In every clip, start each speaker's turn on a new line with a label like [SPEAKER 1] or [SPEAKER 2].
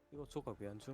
[SPEAKER 1] 이거 조각 왜 안 줌?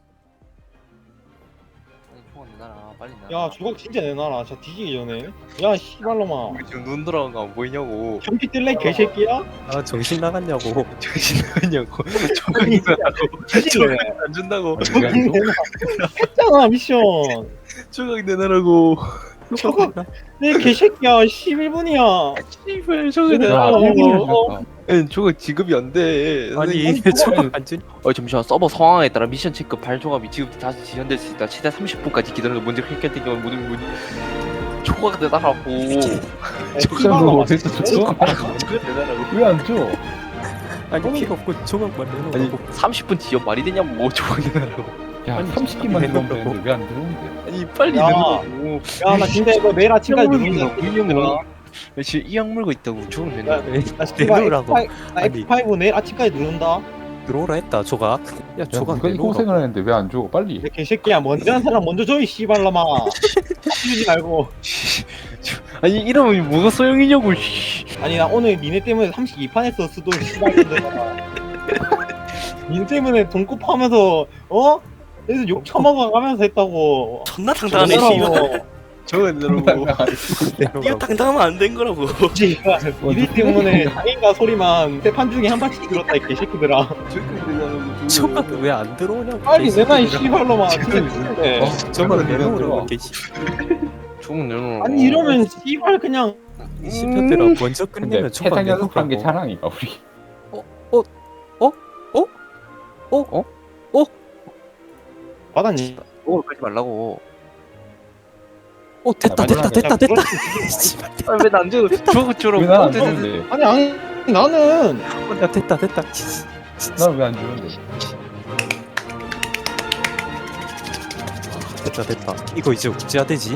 [SPEAKER 2] 아니 총알 내놔라 빨리 내놔.
[SPEAKER 3] 야 조각 진짜 내놔라. 저 뒤지기 전에. 야 씨발놈아.
[SPEAKER 2] 우리 지금 눈 돌아간 거 안 보이냐고.
[SPEAKER 3] 경기 뜰래 개새끼야?
[SPEAKER 1] 아 정신 나갔냐고.
[SPEAKER 2] 정신 나갔냐고. 조각 내놔라고.
[SPEAKER 3] 뒤질래.
[SPEAKER 2] 안 준다고.
[SPEAKER 3] 조각 내놔. 했잖아 미션.
[SPEAKER 2] 조각 내놔라고.
[SPEAKER 3] 조각 내 개새끼야. 11분이야.
[SPEAKER 2] 씨발 조각
[SPEAKER 3] 야,
[SPEAKER 2] 내놔라고. 조각 지급이 안 돼.
[SPEAKER 1] 아니
[SPEAKER 2] 선생님.
[SPEAKER 1] 왜 조각 안 줌?
[SPEAKER 2] 잠시만 서버 상황에 따라 미션 체크 발조각이 지금 다시 지연될 수 있다. 최대 30분까지 기다리는 문제 해결된 경우 모든 문이 조각 내놔라고.
[SPEAKER 3] 씨발놈아.
[SPEAKER 2] 조각 내놔라고.
[SPEAKER 4] 왜안 줘?
[SPEAKER 1] 아니 필요 없고 조각만
[SPEAKER 2] 아니
[SPEAKER 1] 내놓으라고.
[SPEAKER 2] 30분 지연 말이 되냐고. 조각 내놔라고.
[SPEAKER 4] 야,
[SPEAKER 1] 아니,
[SPEAKER 4] 30개만
[SPEAKER 1] 내놓으라고.
[SPEAKER 4] 들어오면 되는데 왜 안 들어오는데?
[SPEAKER 2] 아니 빨리
[SPEAKER 3] 야.
[SPEAKER 2] 내놔라고.
[SPEAKER 3] 야 나 진짜 이거 내일 아침까지 누른다.
[SPEAKER 2] 나 지금 이 약물고 있다고. 조각
[SPEAKER 3] 야,
[SPEAKER 2] 내놔.
[SPEAKER 3] 나 씨발
[SPEAKER 1] 내놓으라고. 아니.
[SPEAKER 3] F5 내일 아침까지 누른다.
[SPEAKER 1] 들어오라 했다 조각. 야
[SPEAKER 4] 야,
[SPEAKER 1] 조각
[SPEAKER 4] 누가 이
[SPEAKER 1] 내놓으라고.
[SPEAKER 4] 고생을 하는데 왜 안 줘? 빨리.
[SPEAKER 3] 내 개새끼야 먼저 한 사람 먼저 줘 이 씨발놈아. 주지 말고.
[SPEAKER 2] 아니 이러면 뭐가 소용이냐고. 씨.
[SPEAKER 3] 아니 나 오늘 니네 때문에 32판 했어 수도 씨발놈들아. 니네 때문에 돈급하면서 어? 그래서 욕 처먹어가면서 했다고.
[SPEAKER 5] 존나 당당하네 씨발.
[SPEAKER 2] 조각 내놔라고.
[SPEAKER 5] 이거 당당하면 안 된 거라고.
[SPEAKER 3] 씨발 니네 때문에 장인가 소리만 세 판 중에 한 판씩 들었다 이 개새끼들아.
[SPEAKER 2] 조각 내놔라고.
[SPEAKER 1] 조각 왜 안 들어오냐고.
[SPEAKER 3] 빨리 내놔 이
[SPEAKER 1] 개새끼들아.
[SPEAKER 3] 씨발놈아. 진짜 미친데.
[SPEAKER 1] 조각
[SPEAKER 4] 내놔.
[SPEAKER 1] 내놓으라고 개씨.
[SPEAKER 2] 조각 내놔라고.
[SPEAKER 3] 아니 이러면 씨발 그냥
[SPEAKER 1] 시편들아 먼저
[SPEAKER 4] 근데
[SPEAKER 1] 끝내면 조각
[SPEAKER 4] 세상 연속한 게
[SPEAKER 1] 내놓으라고.
[SPEAKER 4] 자랑이가 우리.
[SPEAKER 3] 받았니?
[SPEAKER 2] 조각을 깔지 말라고.
[SPEAKER 1] 오 됐다 됐다 됐다 됐다. 씨발.
[SPEAKER 2] 왜나안 줘? 조각 주라고.
[SPEAKER 4] 왜난안 주는데?
[SPEAKER 3] 아니 나는
[SPEAKER 1] 야 됐다 됐다.
[SPEAKER 4] 난 왜 안 주는데?
[SPEAKER 1] 됐다 됐다. 이거 이제 어찌해야 되지?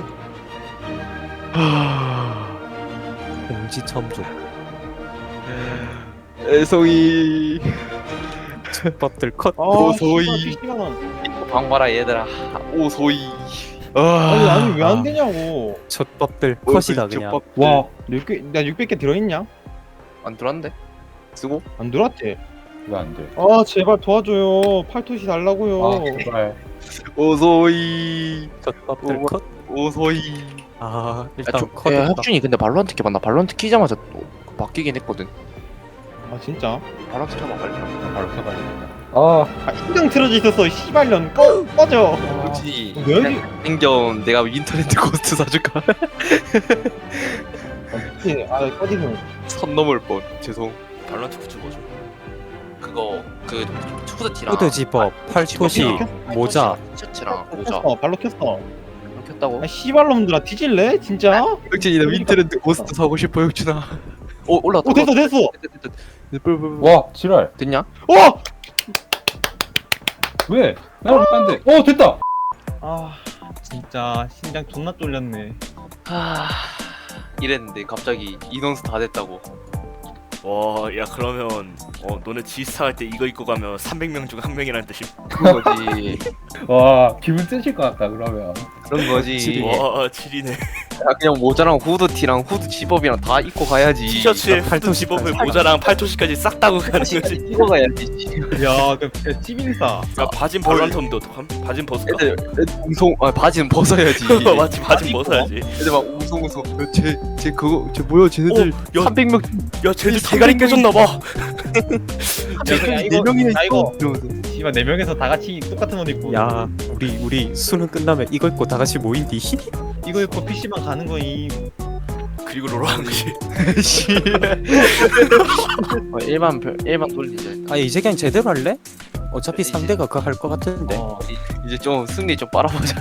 [SPEAKER 1] 공지 첨조.
[SPEAKER 2] 애송이.
[SPEAKER 1] 밥들 컷.
[SPEAKER 2] 도소이.
[SPEAKER 3] 70만 원.
[SPEAKER 2] 방 봐라 얘들아. 오소이.
[SPEAKER 3] 아니 아니 왜
[SPEAKER 1] 아.
[SPEAKER 3] 안 되냐고.
[SPEAKER 1] 젖밥들 컷이다 그냥.
[SPEAKER 3] 와 6개 나 600개 들어있냐?
[SPEAKER 2] 안 들어왔는데? 쓰고?
[SPEAKER 3] 안 들어왔지?
[SPEAKER 4] 왜 안 돼?
[SPEAKER 3] 아 제발 도와줘요. 팔토시 달라고요.
[SPEAKER 4] 아, 제발.
[SPEAKER 2] 오소이.
[SPEAKER 1] 젖밥들
[SPEAKER 2] 오,
[SPEAKER 1] 컷.
[SPEAKER 2] 오소이.
[SPEAKER 1] 아 일단
[SPEAKER 2] 야,
[SPEAKER 1] 컷했다.
[SPEAKER 2] 혁준이 근데 발로한테 켜봤나? 발로한테 키자마자 또 바뀌긴 했거든.
[SPEAKER 3] 아 진짜?
[SPEAKER 2] 발로한테 켜봐 빨리.
[SPEAKER 4] 바로 켜봐야겠다. 아,
[SPEAKER 3] 아 인정 틀어져 있었어. 씨발년 꺼져.
[SPEAKER 2] 그렇지.
[SPEAKER 3] 왜 여기
[SPEAKER 2] 생전 내가 인터넷 고스트 사줄까?
[SPEAKER 3] 아 꺼지는.
[SPEAKER 2] 선 넘을 뻔. 죄송.
[SPEAKER 5] 발란트 굿즈 뭐죠?
[SPEAKER 2] 그거 그 후드티랑
[SPEAKER 1] 후드집업, 팔토시, 모자.
[SPEAKER 2] 티셔츠랑 모자
[SPEAKER 3] 켰어 발로 켰어.
[SPEAKER 2] 켰다고?
[SPEAKER 3] 아 씨발놈들아 뒤질래 진짜?
[SPEAKER 2] 혁준이 나 윈터랜드 고스트 사고 싶어 혁준아. 오 올라왔다.
[SPEAKER 3] 오 됐어 됐어.
[SPEAKER 4] 와, 지랄.
[SPEAKER 2] 됐냐?
[SPEAKER 3] 어!
[SPEAKER 4] 왜? 나안 돼. 됐다.
[SPEAKER 3] 아 진짜 심장 존나 쫄렸네.
[SPEAKER 2] 하... 이랬는데 갑자기 인원수 다 됐다고.
[SPEAKER 5] 와, 야 그러면 너네 지스타 할 때 이거 입고 가면 300명 중 한 명이라는 뜻임.
[SPEAKER 2] 그런 거지.
[SPEAKER 4] 와, 기분 쓰실 것 같다 그러면.
[SPEAKER 2] 그런 거지.
[SPEAKER 1] 지리.
[SPEAKER 5] 와, 지리네.
[SPEAKER 2] 야, 그냥 모자랑 후드티랑 후드 집업이랑 다 입고 가야지.
[SPEAKER 5] 티셔츠에 후드
[SPEAKER 1] 팔토시
[SPEAKER 5] 집업을 모자랑 팔토시까지 싹 따고 가는 거지.
[SPEAKER 2] 입고 가야지.
[SPEAKER 3] 야그 찌빙사.
[SPEAKER 5] 야 바진 발란트인데 어떡함? 바진 벗을까?
[SPEAKER 2] 애들 웅성 바지는 벗어야지.
[SPEAKER 5] 맞지, 바진 벗어야지.
[SPEAKER 2] 애들 막 웅성웅성. 쟤 그거 쟤 뭐야 쟤네들
[SPEAKER 5] 야,
[SPEAKER 2] 300명
[SPEAKER 5] 야 쟤들 대가리 깨졌나봐.
[SPEAKER 3] 야,
[SPEAKER 2] 네 명이나
[SPEAKER 3] 나 이거
[SPEAKER 2] 있어. 이러면서.
[SPEAKER 3] 씨발 4명에서 다 같이 똑같은 옷 입고
[SPEAKER 1] 야 우리 수능 끝나면 이거 입고 다 같이 모인디.
[SPEAKER 3] 이거 입고 PC방 가는 거임.
[SPEAKER 5] 그리고 로로 하는 거지.
[SPEAKER 2] 일반 돌리자.
[SPEAKER 1] 아 이제 그냥 제대로 할래? 어차피 상대가 그거 할 것 같은데.
[SPEAKER 2] 이제 좀 승리 좀 빨아보자.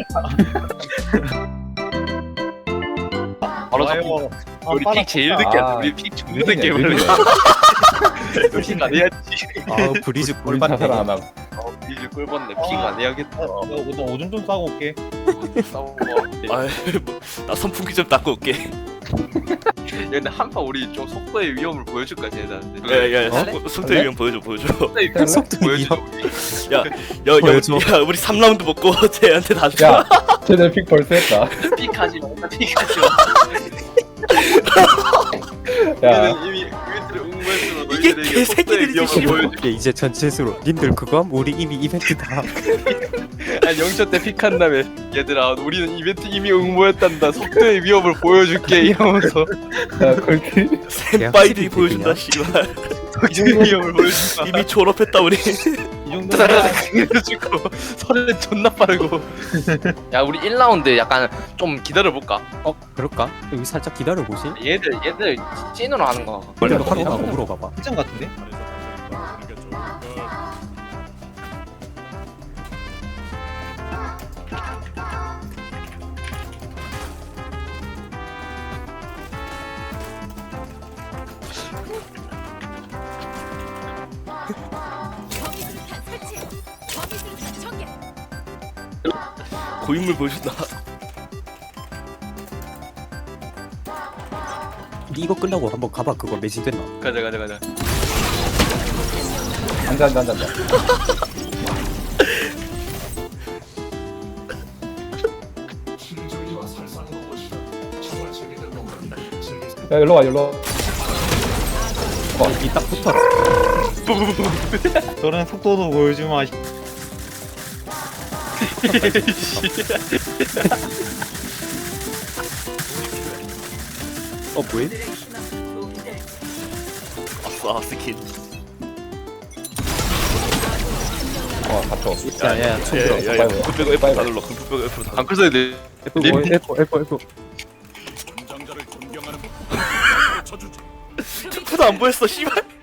[SPEAKER 2] 바로 잡고. 우리 픽 제일 늦게 하자. 우리 픽 존나 늦게
[SPEAKER 4] 왜
[SPEAKER 2] 올려.
[SPEAKER 4] 그래?
[SPEAKER 2] 픽 안 해야지.
[SPEAKER 1] 아 브리즈
[SPEAKER 4] 우리 자살
[SPEAKER 1] 꿀받네.
[SPEAKER 4] 안 하고.
[SPEAKER 2] 이제 꿀벌네. 픽 안 해야겠다.
[SPEAKER 3] 나 오줌 좀 싸고 올게.
[SPEAKER 2] 싸우고.
[SPEAKER 5] 아, 나 선풍기 좀 닦고 올게.
[SPEAKER 2] 근데 한판 우리 좀 속도의 위험을 보여줄까 쟤네한테.
[SPEAKER 5] 야야, 속도의 위험 보여줘.
[SPEAKER 2] 속도의 위험
[SPEAKER 1] 속도
[SPEAKER 2] 보여줘.
[SPEAKER 5] 야,
[SPEAKER 1] 보여줘.
[SPEAKER 5] 야, 우리 3라운드 먹고 쟤한테 다 줘.
[SPEAKER 4] 야, 쟤네 픽 벌써 했다.
[SPEAKER 2] 픽하지 마. 픽하지 마.
[SPEAKER 4] 야,
[SPEAKER 2] 얘는 이미 그들을
[SPEAKER 5] 이게 개새끼들이지, 씨발.
[SPEAKER 1] 이게 이제 전체수로 님들 그거함? 우리 이미 이벤트다.
[SPEAKER 2] 아니 영초 때 픽한 다음에 얘들아 우리는 이벤트 이미 응모했단다. 속도의 위협을 보여줄게 이러면서
[SPEAKER 4] 야 그렇게
[SPEAKER 5] 센파이들이 보여준다, 씨발.
[SPEAKER 2] 속도의 위협을 보여준다.
[SPEAKER 5] 이미 졸업했다 우리.
[SPEAKER 3] 이 정도면
[SPEAKER 2] 해주고 서른 존나 빠르고. 야 우리 1라운드 약간 좀 기다려볼까?
[SPEAKER 1] 그럴까? 여기 살짝 기다려보시.
[SPEAKER 2] 얘들 찐으로 하는 거.
[SPEAKER 1] 원래로 하고 물어봐봐.
[SPEAKER 3] 특정 같은데?
[SPEAKER 5] 고인물 보여준다.
[SPEAKER 1] 니 이거 끝나고 한번 가봐. 그거 매진 됐나?
[SPEAKER 2] 가자.
[SPEAKER 4] 앉아. 야 일로 와.
[SPEAKER 1] 이딱 붙어.
[SPEAKER 3] 저런 속도도 보여주마.
[SPEAKER 1] 뭐해?
[SPEAKER 5] 아싸 스킨.
[SPEAKER 4] 갇혀.
[SPEAKER 1] 야야야 총 들어.
[SPEAKER 5] 야야 금프 빼고 F 다 눌러. 금프 빼고 F 다 눌러.
[SPEAKER 2] 안 끌어야 돼.
[SPEAKER 1] F.
[SPEAKER 5] F도 안 보였어, 씨발.